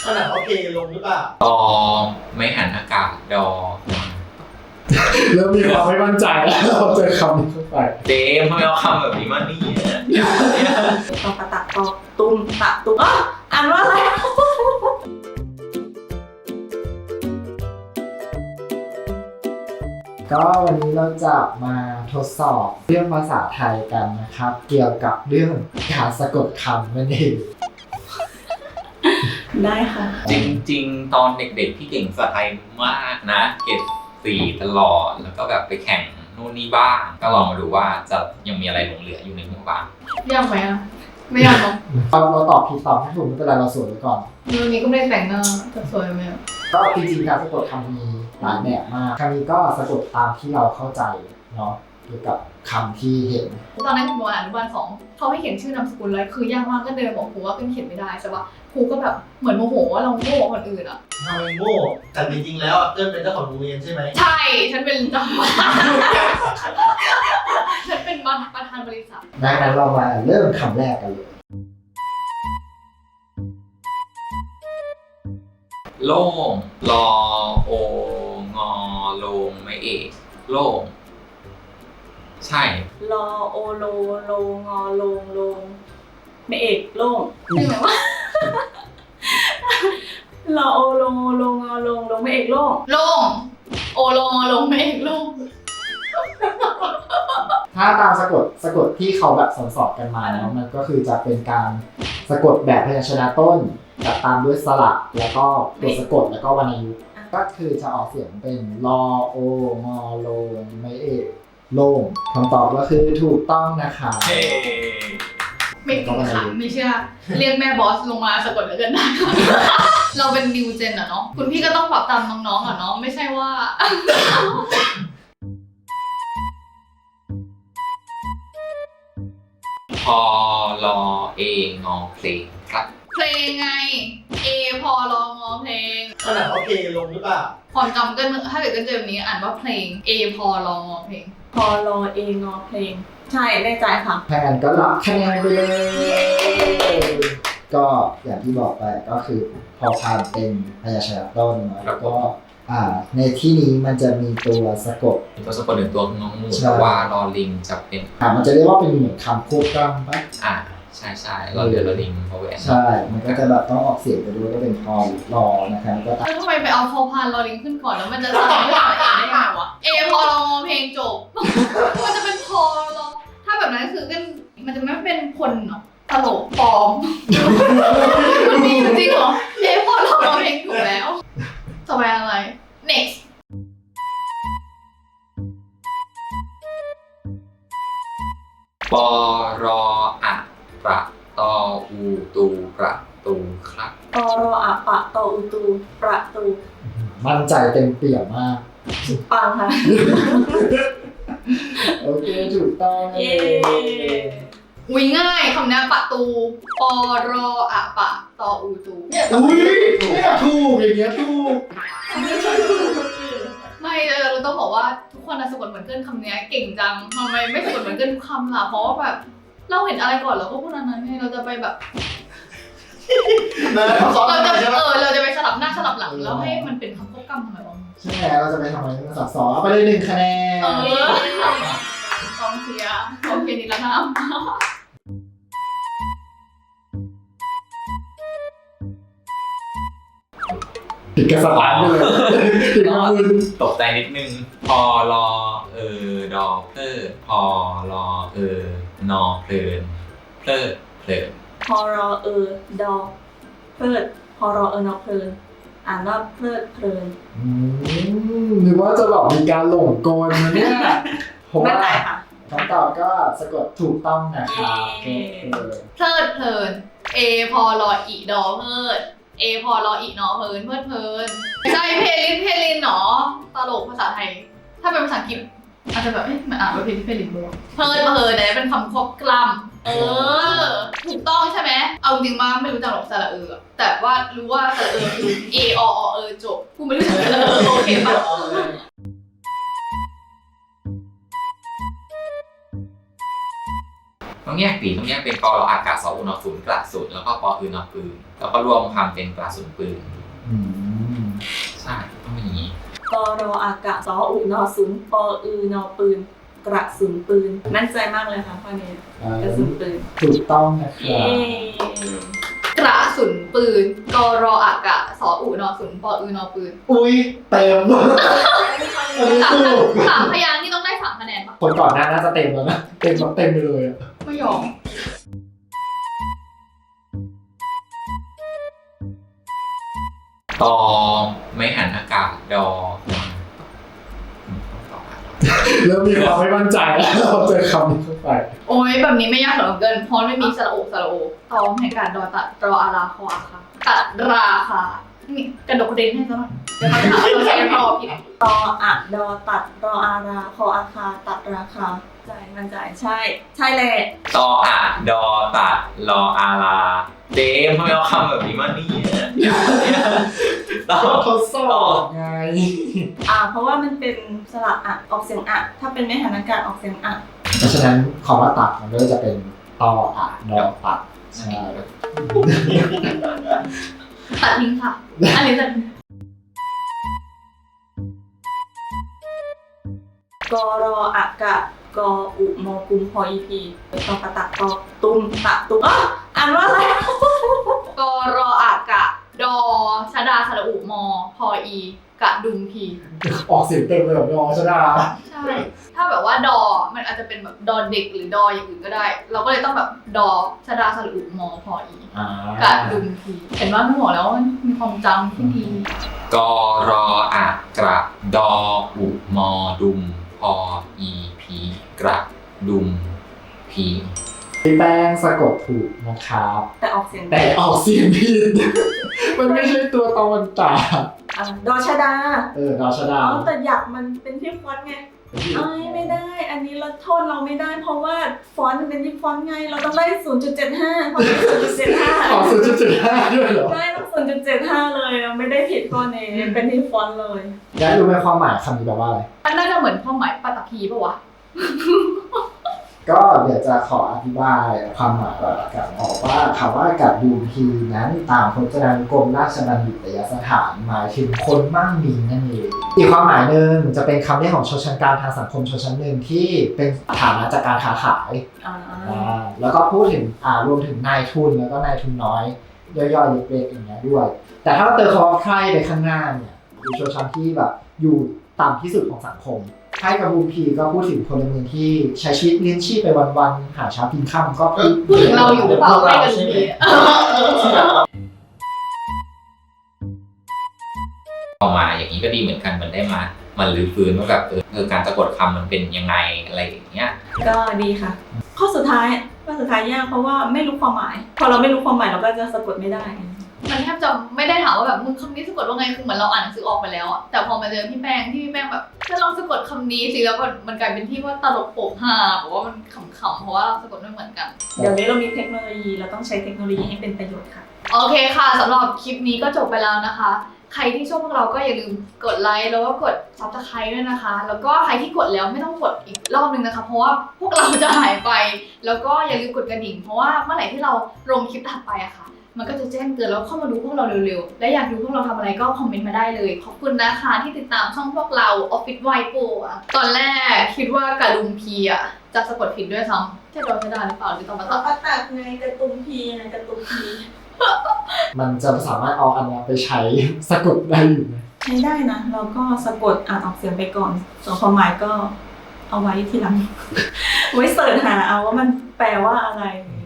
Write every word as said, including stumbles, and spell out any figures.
ขนาดเขาเพลงลงหรือเปล่าตอไม่หันอากาศดอเริ่มมีความไม่มั่นใจแล้วเราเจอคำนี้เข้าไปเจมทำไมเอาคำแบบนี้มานี่เนี่ยตอกระตักตอกตุ้มตะตุ้มอ่ะอ่านว่าอะไรก็วันนี้เราจะมาทดสอบเรื่องภาษาไทยกันนะครับเกี่ยวกับเรื่องการสะกดคำนั่นเองได้ค่ะจริงๆตอนเด็กๆพี่เก่งภาษาไทยมากนะเกรดสี่ตลอดแล้วก็แบบไปแข่งนู่นนี่บ้างก็ลองมาดูว่าจะยังมีอะไรหลงเหลืออยู่ในหัวบ้างยากไหมอ่ะไม่ยากหรอกเราเราตอบผิดตอบไม่ถูกไม่เป็นไรเราสวยไว้ก่อนวันนี้ก็ไม่ได้แต่งหน้าจะสวยไหมก็จริงๆการสะกดคำมีหลายแบบมากคำนี้ก็สะกดตามที่เราเข้าใจเนาะเกี่ยวกับคำที่เห็นตอนนั้นผมอ่านอนุบาลสองเขาให้เขียนชื่อนามสกุลเลยคือยากมากก็เดินบอกครูว่าเป็นเขียนไม่ได้ใช่ปะครูก็แบบเหมือนโมโหว่าเราโง่คนอื่นอ่ะทำไมโง่แต่จริงๆแล้วเอิ้นเป็นเจ้าของโรงเรียนใช่ไหมใช่ฉันเป็นเจ้าของฉันเป็นประธานบริษัทดังนั้นเรามาเริ่มคำแรกกันเลยโล่งรอโองอลงไม่เอกโล่งใช่รอโอโลโลงอลงลงไม่เอกโล่งใช่ไหมวะรอโอโลโลงอลงลงไม่เอกโล่งโล่งโอโลงอลงไม่เอกโล่งถ้าตามสะกดสะกดที่เขาแบบสอนๆกันมานะมันก็คือจะเป็นการสะกดแบบพยัญชนะต้นจัดตามด้วยสระแล้วก็ตัวสะกดแล้วก็วรรณยุกต์ก็คือจะออกเสียงเป็นรอโองอโลงไม่เอกโล่งคำตอบก็คือถูกต้องนะคะไม่จริงค่ะไม่เชื่อเรียกแม่บอสลงมาสะกดแล้วกันได้เราเป็นนิวเจนอะเนาะคุณพี่ก็ต้องปรับตามน้องๆอะเนาะไม่ใช่ว่าพอรอเองอเพลงครับเพลงไงเอพอรองอเพลงขนาดเขาเพลงลงหรือเปล่าความจำก็ถ้าเกิดกันเจอแบบนี้อ่านว่าเพลงเอพอรองอเพลงพอรอเองอเพลงใช่แน่ใจค่ะแทนก็รับคะแนนไปเลยก็อย่างที่บอกไปก็คือพอพานเป็นพยัญชนะต้นแล้วก็อ่าในที่นี้มันจะมีตัวสะกดตัวสะกดหนึ่งตัวงองูแต่ว่ารอลิงจะเป็นอ่ามันจะเรียกว่าเป็นเหมือนคำควบกล้ำปะอ่าใช่ใช่รอเรือรอลิงพอแหวนใช่มันก็จะแบบต้องออกเสียงไปด้วยก็เป็นพอรอนะครับก็แล้วทำไมไปเอาพอพานรอลิงขึ้นก่อนแล้วมันจะสลับด้วยตัวเองได้ไงวะเอพอรองอเพลงจบมันจะเป็นพอรอถ้าแบบนั้นคือกันมันจะไม่เป็นคนเนาะตลกปลอมมันมีจริงเหรอเอพอรองอเพลงถูกแล้วต่อไปอะไร next ปอรออะประตออูตูประตูครับปอรออะปะตออูตูประตูมั่นใจเต็มเปี่ยมมากปังค่ะโอเคถูกต้องเย้อุ้ยง่ายคำนี้ประตูปอรออะปะตออูตูอุ้ยเนี่ยถูกอย่างเงี้ยถูกไม่เราต้องบอกว่าทุกคนสะกดเหมือนเกินคำนี้เก่งจังทำไมไม่สะกดเหมือนเกินทุกคำล่ะเพราะว่าแบบเราเห็นอะไรก่อนเราก็พูดอันนั้นไงเราจะไปแบบเราจะเออเราจะไปสลับหน้าสลับหลังแล้วให้มันเป็นคำควบกล้ำทำไมวะใช่เราจะไปทำอะไรกันสับสนเอาไปเลยหนึ่งคะแนนเออกองเชียร์กองเชียร์นิรนามผิดกระสับไปเลยผิดกระมุนตกใจนิดนึงพอรอเออดอเพลิดพอรอเออนอเพลินเพลิดเพลินพอรอเออดอเพลิดพอรอเออนอเพลินอ่านว่าเพลิดเพลินอืมนึกว่าจะแบบมีการหลงกลนะเนี่ยไม่ใจค่ะคำตอบก็สะกดถูกต้องนะคะเพลิดเพลินเอพอรออีดอเพลิดเอพอรออีนอเพลินเพลิดเพลินใช่เพลินเพลินเนาะตลกภาษาไทยถ้าเป็นภาษาอังกฤษอาจจะแบบเอ๊ะมันอ่านว่าเพลินเพลินบ้างเพลินเพลินเนี่ยเป็นคำควบกล้ำเออถูกต้องใช่ไหมเอาจริงมาไม่รู้จักหรอกสระเออแต่ว่ารู้ว่าสระเออคือเอออเออจบกูไม่รู้จักสระเออโอเคป่ะต้องแยกปีต้องแยกเป็นกอรออากาศสออุนอศูนย์กระสุนแล้วก็ปออือนอปืนแล้วก็รวมคำเป็นกระสุนปืนอืมใช่ต้องเป็นอย่างนี้กรออากาศสออุนอศูนย์ปออือนอปืนกระสุนปืนมั่นใจมากเลยค่ะข้อนี้เอ่อกระสุนปืนถูกต้องนะคเย้รับกระสุนปืนกรออากาศสออูนอศูนย์ปออือนอปืนอุ้ยเต็มอันนี้สามถูกสามพยางค์นี่ต้องได้สามคะแนนปะคนก่อนหน้าน่าจะเต็มแล้วนะเต็มแบบเต็มไปเลยอะไม่ยอมตอไม่หันอากาศดอเริ่มมีความไม่มั่นใจแล้วเราเจอคำนี้เข้าไปโอ้ยแบบนี้ไม่ยากสำหรับเกินเพราะไม่มีสระโอสระโอตอมให้การดอตัดรออาราคออาคาตัดราคานี่กระดกกระเด็นให้ซะหน่อยเดี๋ยวเขาจะหาว่าเราใช้รอผิดตออะดอตัดรออาราคออาคาตัดราคาใจมั่นใจใช่ ใช่แหละตออะดอตัดรออาราเจมทำไมเอาคำแบบนี้มาเนี่ยตอทดสอบไงอ่าเพราะว่ามันเป็นสระอะออกเสียงอะถ้าเป็นไม่หันอากาศออกเสียงอะเพราะฉะนั้นคำว่าตัดมันก็จะเป็นตออะดอตัดใช่ตัดทิ้งค่ะ อันนี้ตัดทิ้งกรออากาศกออุมอกุมพออีพีตอกระตักตอตุ้มตะตุ้มอ่ะอ่านว่าอะไรกรออากะดอชดาสระอุมอพออีกะดุมพีออกเสียงเต็มเลยแบบยอชดาใช่ ถ้าแบบว่าดอมันอาจจะเป็นแบบดอเด็กหรือดออย่างอื่นก็ได้ เราก็เลยต้องแบบดอชดาสระอุมอพออีอ่ากะดุมพีเห็นว่าไม่บอกแล้วว่ามีความจำที่ดีกอรออะกระดออุมอดุมพออีพีกระดุมพีพี่แป้งสะกดถูกนะครับแต่ออกเสียงแต่ออกเสียงผิด มันไม่ใช่ตัวตอนตาอ่ะดอชดาเออดอชดาอ๋อแต่อยากมันเป็นที่ฟอนต์ไงเอ้ยไม่ได้ อันนี้เราโทษเราไม่ได้ เพราะว่าฟอนต์มันเป็นที่ฟอนต์ไง เราต้องได้ ศูนย์จุดเจ็ดห้า เพราะศูนย์จุดเจ็ดห้าขอศูนย์จุดเจ็ดห้าด้วยเหรอได้ต้อง ศูนย์จุดเจ็ดห้า เลยเราไม่ได้ผิดข้อนี้เป็นที่ฟอนต์เลยอยากรู้ไหมความหมายคำนี้แปลว่าอะไรมันน่าจะเหมือนความหมายปัตตภีปะวะก็เดี๋ยวจะขออธิบายความหมายก่อนละกันบอกว่าคำว่ากับดูพีนั้นตามพจนานุกรมราชบัณฑิตยสถานหมายถึงคนมั่งมีนั่นเองอีกความหมายหนึ่งจะเป็นคำเรียกของชนชั้นกลางทางสังคมชนชั้นหนึ่งที่เป็นฐานะจากการค้าขายอ่าอ่าแล้วก็พูดถึงอ่ารวมถึงนายทุนแล้วก็นายทุนน้อยย่อยๆเล็กๆอย่างเงี้ยด้วย แต่ถ้าเราเติมคำว่าไพร่ไปข้างหน้าเนี่ยคือชนชั้นที่แบบอยู่ต่ำที่สุดของสังคมไพ่กับบูมพีก็พูดถึงพลเมืองที่ใช้ชีวิตเลี้ยงชีพไปวันๆหาเช้ากินค่ำก็พูดพูดถึงเราอยู่หรือเปล่าให้กันดูดีออกมาอย่างนี้ก็ดีเหมือนกันมันได้มามันรื้อฟื้นว่าแบบเออเออการสะกดคำมันเป็นยังไงอะไรอย่างเงี้ยก็ดีค่ะ ข้อสุดท้ายข้อสุดท้ายยากเพราะว่าไม่รู้ความหมาย พอเราไม่รู้ความหมายเราก็จะสะกดไม่ได้มันแทบจะไม่ได้ถามว่าแบบมึงคำนี้สะกดว่าไงคือเหมือนเราอ่านหนังสือออกไปแล้วอะแต่พอมาเจอพี่แป้งที่พี่แป้งแบบจะลองสะกดคำนี้สิแล้วก็มันกลายเป็นที่ว่าตลกโปกฮาบอกว่ามันขำๆเพราะว่าเราสะกดไม่เหมือนกันเดี๋ยวนี้เรามีเทคโนโลยีเราต้องใช้เทคโนโลยีให้เป็นประโยชน์ค่ะโอเคค่ะสำหรับคลิปนี้ก็จบไปแล้วนะคะ ใครที่ชอบพวกเราก็อย่าลืมกดไลค์แล้วก็กด ซับสไครบ์ ด้วยนะคะ แล้วก็ใครที่กดแล้วไม่ต้องกดอีกรอบนึงนะคะ เพราะว่าพวกเราจะหายไป แล้วก็อย่าลืมกดกระดิ่งเพราะว่าเมื่อไหร่ที่เราลงคลิปถัดไปอะค่ะ มันก็จะแจ้งเตือนแล้วเข้ามาดูพวกเราเร็วๆและอยากดูพวกเราทำอะไรก็คอมเมนต์มาได้เลยขอบคุณนะคะที่ติดตามช่องพวกเรา Office White Pro อะตอนแรกคิดว่ากะลุมพีอะจะสะกดผิดด้วยซ้ำจะโดนจะได้หรือเปล่าหรือต้องมาเราตัดก็ตัดไงกระตุ้มพีไงกระตุ้มพีมันจะสามารถเอาอันนี้ไปใช้สะกดได้อยู่ไหมใช้ได้นะ เราก็สะกดอ่านออกเสียงไปก่อน ส่วนความหมายก็เอาไว้ทีหลัง ไว้เสิร์ชหาเอาว่ามันแปลว่าอะไรอื